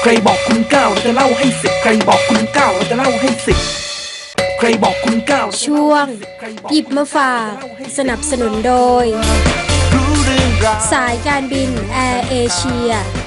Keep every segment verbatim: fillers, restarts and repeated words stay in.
ใครบอกคุณเก้าเราจะเล่าให้สิบใครบอกคุณเก้าเราจะเล่าให้สิบใครบอกคุณเก้าช่วงหยิบมาฝากสนับสนุนโดยสายการบินแอร์เอเชีย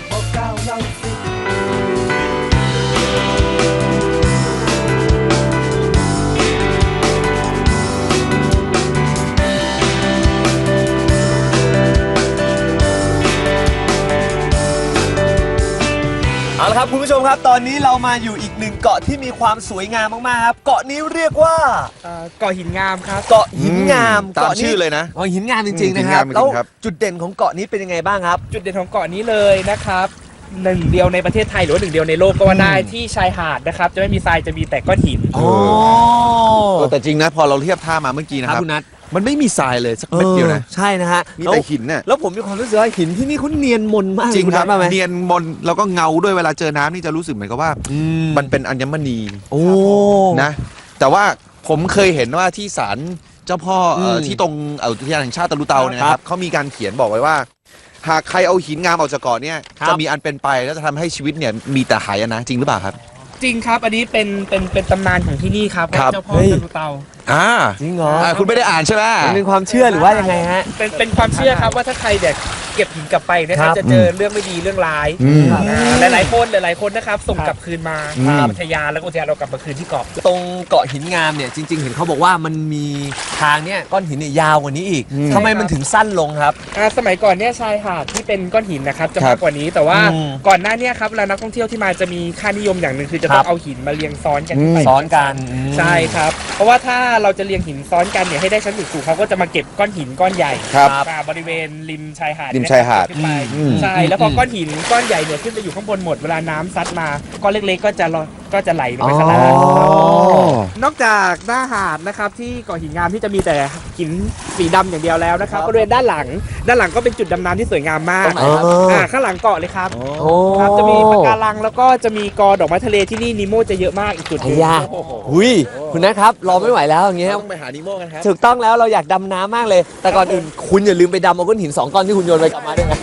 เอาละครับคุณผู้ชมครับตอนนี้เรามาอยู่อีกหนึ่งเกาะที่มีความสวยงามมากๆครับเกาะนี้เรียกว่าเกาะหินงามครับเกาะหินงามตามชื่อเลยนะเกาะหินงามจริงๆนะครับแล้วจุดเด่นของเกาะนี้เป็นยังไงบ้างครับจุดเด่นของเกาะนี้เลยนะครับหนึ่งเดียวในประเทศไทยหรือว่าหนึ่งเดียวในโลกก็ว่าได้ที่ชายหาดนะครับจะไม่มีทรายจะมีแต่ก้อนหินอ๋อแต่จริงนะพอเราเทียบท่ามาเมื่อกี้นะครับคุณนัทมันไม่มีทรายเลยสักเม็ดเดียวนะใช่นะฮะมีแต่หินน่ะแล้วผมมีความรู้สึกว่าหินที่นี่เขาเนียนมนมากจริงครับเนียนมนแล้วก็เงาด้วยเวลาเจอน้ำนี่จะรู้สึกเหมือนกับว่ามันเป็นอัญมณีโอ้นะแต่ว่าผมเคยเห็นว่าที่ศาลเจ้าพ่อที่ตรงอุทยานแห่งชาติตะลุเตาเนี่ยนะครับเขามีการเขียนบอกไว้ว่าหากใครเอาหินงามออกจากเกาะเนี่ยจะมีอันเป็นไปแล้วจะทำให้ชีวิตเนี่ยมีแต่หายนะจริงหรือเปล่าครับจริงครับอันนี้เป็นเป็นเป็นตำนานของที่นี่ครับเจ้าพ่อตะลุเตาอ่าจริงเหรอคุณไม่ได้อ่านใช่ไหมเป็นความเชื่อหรือว่ายังไงฮะเป็นเป็นความเชื่อครับว่าถ้าใครเด็กเก็บหินกลับไปนะครับจะเจอเรื่องไม่ดีเรื่องร้ายหลายๆคนหลายๆคนนะครับส่งกลับคืนมาตามอุทยานแล้วอุทยานเรากลับมาคืนที่เกาะตรงเกาะหินงามเนี่ยจริงๆเห็นเขาบอกว่ามันมีทางเนี่ยก้อนหินเนี่ยยาวกว่านี้อีกทำไมมันถึงสั้นลงครับสมัยก่อนเนี่ยชายหาดที่เป็นก้อนหินนะครับจะมากกว่านี้แต่ว่าก่อนหน้านี้ครับเวลานักท่องเที่ยวที่มาจะมีค่านิยมอย่างหนึ่งคือจะต้องเอาหินมาเรียงซ้อนกันซ้อนกันใช่ครับเพราะว่าถ้าเราจะเรียงหินซ้อนกันเนี่ยให้ได้ชั้นสูงๆเขาก็จะมาเก็บก้อนหินก้อนใหญ่บริเวณริมชายหาดริมชายหาดใช่แล้วพอก้อนหินก้อนใหญ่เนี่ยขึ้นไปอยู่ข้างบนหมดเวลาน้ำซัดมาก้อนเล็กๆก็จะก็จะไหลลงไปข้างล่างนอกจากหน้าหาดนะครับที่เกาะหินงามที่จะมีแต่หินสีดำอย่างเดียวแล้วนะครับบริเวณด้านหลังด้านหลังก็เป็นจุดดำน้ำที่สวยงามมากอ่าข้างหลังเกาะเลยครับครับจะมีปะการังแล้วก็จะมีกอดอกไม้ทะเลที่นี่นีโมจะเยอะมากอีกจุดนึงหุยคุณนะครับรอไม่ไหวแล้วอย่างเงี้ยต้องไปหานีโมกันครับถูกต้องแล้วเราอยากดำน้ำมากเลยแต่ก่อนอื่นคุณอย่าลืมไปดำเอาก้อนหินสองก้อนที่คุณโยนไปกลับมาด้วยนะ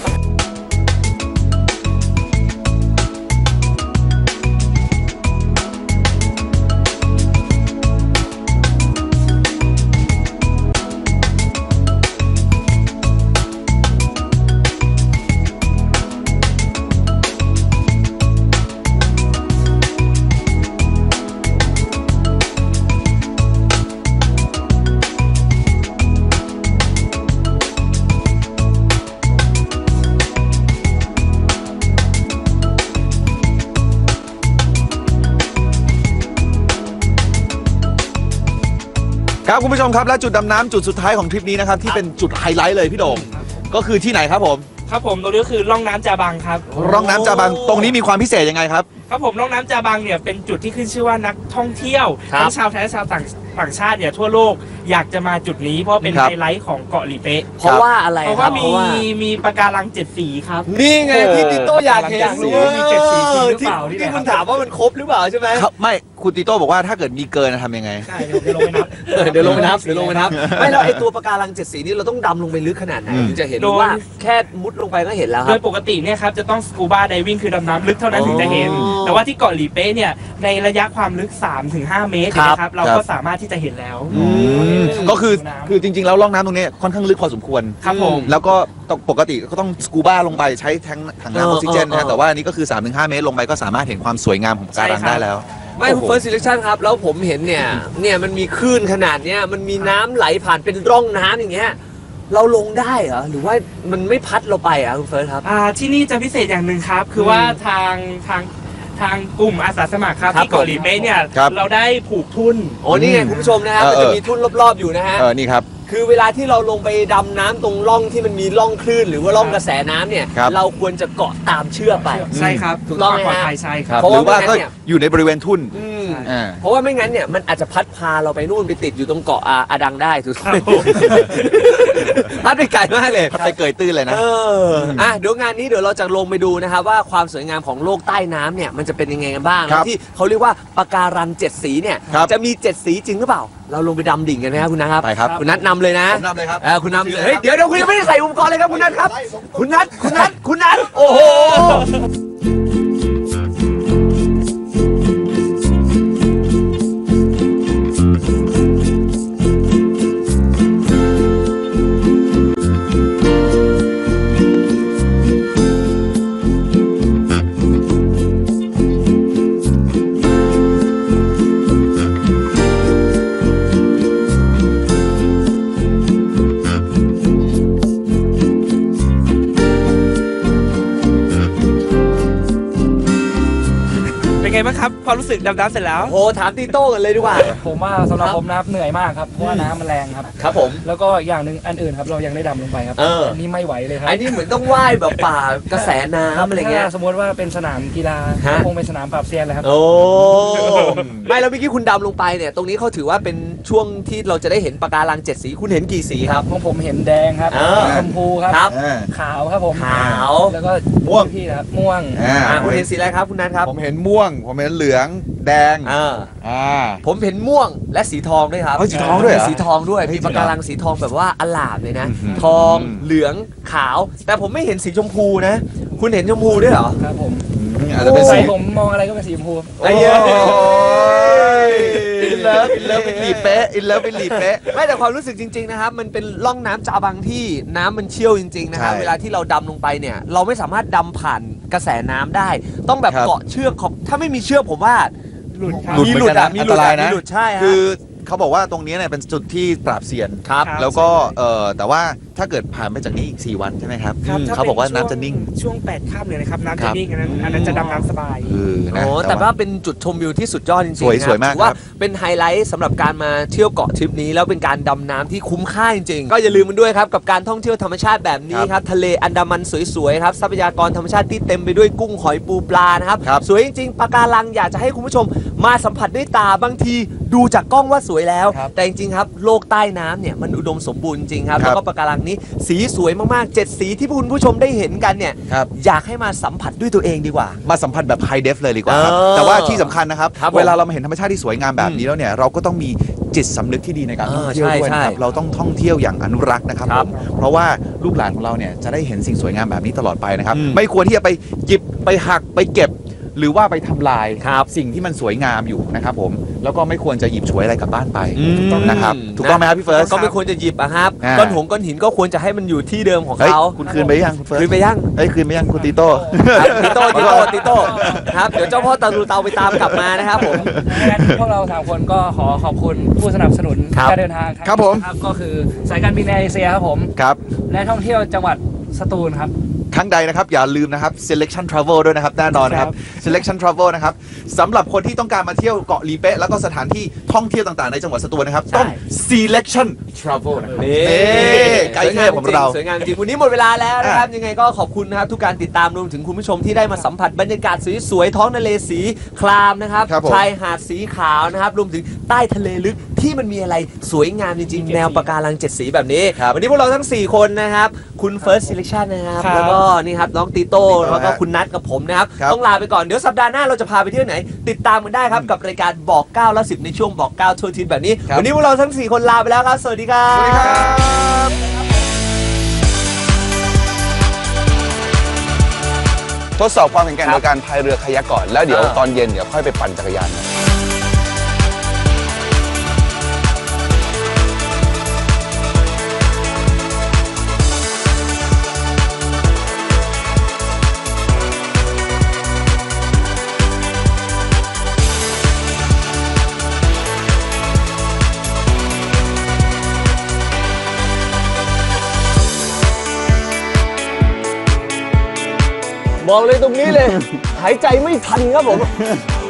ครับคุณผู้ชมครับและจุดดำน้ำจุดสุดท้ายของทริปนี้นะครับที่เป็นจุดไฮไลท์เลยพี่โด่งก็คือที่ไหนครับผมครับผมตรงนี้ก็คือร่องน้ำจาบังครับร่องน้ำจาบังตรงนี้มีความพิเศษยังไงครับครับผมร่องน้ำจาบังเนี่ยเป็นจุดที่ขึ้นชื่อว่านักท่องเที่ยวทั้งชาวไทยและชาวต่างต่างชาติเนี่ยทั่วโลกอยากจะมาจุดนี้เพราะเป็นไฮไลท์ของเกาะหลีเป๊ะเพราะว่าอะไรเพราะว่ามีมีปะการังเจ็ดสีครับนี่ไงพี่ติโต้อยากเห็นมีเจ็ดสีจริงหรือเปล่าที่คุณถามว่ามันครบหรือเปล่าใช่ไหมไม่คุณติโต้บอกว่าถ้าเกิดมีเกินทำยังไงใช่เดี๋ยวลงไปนับเดี๋ยวลงไปนับเดี๋ยวลงไปนับไม่แล้วไอตัวปะการังเจ็ดสีนี่เราต้องดำลงไปลึกขนาดไหนถึงจะเห็นว่าแค่มุดลงไปก็เห็นแล้วครับโดยปกติเนี่ยครับจะต้องสกูบาไดวิ่งคือดำน้ำลึกเท่านั้นถึงจะเห็นแต่ว่าที่เกาะหลีเป๊ะเนี่ยในระยะความลึก สามถึงห้า เมตรนะครับเราก็สามารถที่จะเห็นแล้วก็คือคือจริงๆแล้วร่องน้ำตรงนี้ค่อนข้างลึกพอสมควรครับผมแล้วก็ปกติก็ต้องสกูบ้าลงไปใช้แทงถังน้ำออกซิเจนนะแต่ว่าอันนี้ก็คือ สามถึงห้า เมตรลงไปก็สามารถเห็นความสวยงามของปะการังได้แล้วไม่คุณเฟิร์สซิเลคชั่นครับแล้วผมเห็นเนี่ยเนี่ยมันมีคลื่นขนาดเนี้ยมันมีน้ำไหลผ่านเป็นร่องน้ำอย่างเงี้ยเราลงได้เหรอหรือว่ามันไม่พัดเราไปอ่ะคุณเฟิร์สครับอ่าที่นี่จะพิเศษอย่างหนึ่งครับคือว่าทางทางทางกลุ่มอาสาสมัครครับที่เกาะหลีเป๊ะเนี่ยเราได้ผูกทุ่นโอ้นี่ไงคุณผู้ชมนะครับมันจะมีทุ่นรอบๆอยู่นะฮะเออนี่ครับคือเวลาที่เราลงไปดำน้ำตรงร่องที่มันมีร่องคลื่นหรือว่าร่องกระแสน้ำเนี่ยเราควรจะเกาะตามเชือกไปใช่ครับถูกต้องปลอดภัยใช่ครับหรือว่าก็อยู่ในบริเวณทุ่นเพราะว่าไม่งั้นเนี่ยมันอาจจะพัดพาเราไปนู่นไปติดอยู่ตรงเกาะอาดังได้ถูกไหมพัดไปไกลมากเลยไปเกยตื้นเลยนะเอออ่ะเดี๋ยวงานนี้เดี๋ยวเราจะลงไปดูนะครับว่าความสวยงามของโลกใต้น้ำเนี่ยมันจะเป็นยังไงกันบ้างที่เขาเรียกว่าปะการังเจ็ดสีเนี่ยจะมีเจ็ดสีจริงหรือเปล่าเราลงไปดำดิ่งกันไหมครับคุณนัทครับไปครับคุณนัทนำเลยนะนำเลยครับคุณนำเลยเฮ้ยเดี๋ยวเดี๋ยวคุณยังไม่ได้ใส่อุปกรณ์เลยครับคุณนัทครับคุณนัทคุณนัทคุณนัทโอ้โหไงบ้างครับความรู้สึกดำน้ำเสร็จแล้วโอ้ถามตีโต้กันเลยดีกว่าผมว่าสำหรับผมนะครับเหนื่อยมากครับเพราะว่าน้ำมันแรงครับครับผมแล้วก็อย่างหนึ่งอันอื่นครับเรายังได้ดำลงไปครับเออนนี้ไม่ไหวเลยครับไอ้นี่เหมือนต้องว่ายแบบป่ากระแสน้ำอะไรเงี้ยถ้าสมมติว่าเป็นสนามกีฬาฮะคงเป็นสนามปราบเซียนเลยครับโอ้ไม่แล้วเมื่อกี้คุณดำลงไปเนี่ยตรงนี้เขาถือว่าเป็นช่วงที่เราจะได้เห็นปะการังเจ็ดสีคุณเห็นกี่สีครับของผมเห็นแดงครับเออชมพูครับครับขาวครับผมขาวแล้วก็ม่วงพี่นะครับม่วงอ่าอ่าคุณเห็นสีอะไรครับคุณนัทครับผมเห็นม่วง ผมเห็นเหลืองแดงอ่าอ่าผมเห็นม่วงและสีทองด้วยครับเอ้ยสีทองด้วยเหรอมีสีทองด้วยเฮ้ยมีปะการังสีทองแบบว่าอลามเลยนะอืมทองเหลืองขาว แต่ผมไม่เห็นสีชมพูนะ คุณเห็นชมพูด้วยเหรอครับผมอาจจะเป็นใส่สีผมมองอะไรก็เป็นสีชมพูไอ้เหี้ยอินเลิฟอินเลิฟเป็นหลีเป๊ะอินเลิฟเป็นหลีเป๊ะไม่แต่ความรู้สึกจริง ๆ นะครับ มันเป็นร่องน้ำจาบังที่น้ำมันเชี่ยวจริง ๆ นะครับใช่เวลาที่เราดำลงไปเนี่ย เราไม่สามารถดำผ่านกระแสน้ำได้ ต้องแบบครับเกาะเชือกของถ้าไม่มีเชือกผมว่าหลุดครับหลุดมีเหหมืลุอดนกันอะนะมีอัหนลุตดรายอะมีนะหลุดใช่ฮะคือเขาบอกว่าตรงนี้เนี่ยเป็นจุดที่ปราบเซียนครับแล้วก็เอ่อแต่ว่าถ้าเกิดผ่านไปจากนี้อีกสี่วันใช่ไหมครับครับอืมถ้เขาบอกว่าป็น้ำจะนิ่งช่วงแปดค่ำเลยนะครับน้ำครัจะบนิ่งอันนั้นอันนั้นจะดำน้ำสบายเออนะโอ้แต่ว่าเป็นจุดชมวิวที่สุดยอดจริงๆสวยนะสวยมากถือว่าครับเป็นไฮไลท์สำหรับการมาเที่ยวเกาะทริปนี้แล้วเป็นการดำน้ำที่คุ้มค่าจริงๆก็อย่าลืมมันด้วยครับกับการท่องเที่ยวธรรมชาติแบบนี้ครับทะเลอันดามันสวยๆครับทรัพยากรธรรมชาติที่เต็มไปด้วยกุ้งหอยปูปลานะครับครับสวยจริงๆปะการังอยากจะให้คุณผู้ชมมาสัมผัสด้วยตาบางทีดูจากกล้องว่าสวยแล้วครับแต่จริงๆครับโลกใต้น้ำเนี่ยมันอุดมสมบูรณ์จริงครับครับแล้วก็ปะการังนี้สีสวยมากๆเจ็ดสีที่คุณผู้ชมได้เห็นกันเนี่ยครับอยากให้มาสัมผัสด้วยตัวเองดีกว่ามาสัมผัสแบบไฮเดฟเลยดีกว่าครับเออแต่ว่าที่สำคัญนะครับครับผมเวลาเรามาเห็นธรรมชาติที่สวยงามแบบนี้แล้วเนี่ยเราก็ต้องมีจิตสำนึกที่ดีในการเอท่องอเที่ยวด้วยใช่นะครับใช่เราต้องท่องเที่ยวอย่างอนุรักษ์นะครับคผรับมเพราะว่าลูกหลานของเราเนี่ยจะได้เห็นสิ่งสวยงามแบบนี้ตลอดไปนะครับอืมไม่ควรที่จะไปหยิบไปหักไปเก็บ หรือว่าไปทำลายครับสิ่งที่มันสวยงามอยู่นะครับผมแล้วก็ไม่ควรจะหยิบฉวยอะไรกลับบ้านไปอืมนะครับถูกต้องไหมครับพี่เฟิร์สก็ไม่ควรจะหยิบอะครับอ่าก้อนหงก้อนหินก็ควรจะให้มันอยู่ที่เดิมของเฮ้ยเขาคุณคืนไปยังคุณเฟิร์สคืนไปยังเฮ้ยคืนไปยังคุณตีโต้ครับติโต้ติโต้ติโต้ครับเดี๋ยวเจ้าพ่อตาลูเตาไปตามกลับมานะครับผมงั้นพวกเราสามคนก็ขอขอบคุณผู้สนับสนุนครับการเดินทางครับผมครับก็คือสายการบินแอร์เอเชียครับผมครับและท่องเที่ยวจังหวัดสตูลครับครั้งใดนะครับอย่าลืมนะครับ selection travel ด้วยนะครับแน่นอนนะครับ selection travel นะครับสำหรับคนที่ต้องการมาเที่ยวเกาะลีเป๊ะแล้วก็สถานที่ท่องเที่ยวต่างๆในจังหวัดสตูลนะครับต้อง selection travel นะครับนี่ไกด์เทพของเราสวยงามจริงวันนี้หมดเวลาแล้วนะครับ ยังไงก็ขอบคุณนะครับทุกการติดตามรวมถึงคุณผู้ชมที่ได้มาสัมผัสบรรยากาศสวยๆท้องทะเลสีครามนะครับครับผมชายหาดสีขาวนะครับรวมถึงใต้ทะเลลึกที่มันมีอะไรสวยงามจริงๆ แนวปะการังเจ็ดสีแบบนี้ครับวันนี้พวกเราทั้งสี่คนนะครับคุณ First Selection นะครับครับแล้วก็นี่ครับน้องตีโต้แล้วก็คุณนัทกับผมนะครับครับต้องลาไปก่อนเดี๋ยวสัปดาห์หน้าเราจะพาไปเที่ยวไหน ติดตามกันได้ครับกับรายการบอกเก้าและสิบในช่วงบอกเก้าทั่วอาทิศแบบนี้ครับวันนี้พวกเราทั้งสี่คนลาไปแล้วครับสวัสดีครับสวัสดีครับ ทดสอบความแข็งแกร่งโดยการพายเรือคายักก่อน แล้วเดี๋ยวอ่าตอนเย็นเดี๋ยวค่อยไปปั่นจักรยานกันบอกเลยตรงนี้เลย หายใจไม่ทันครับผม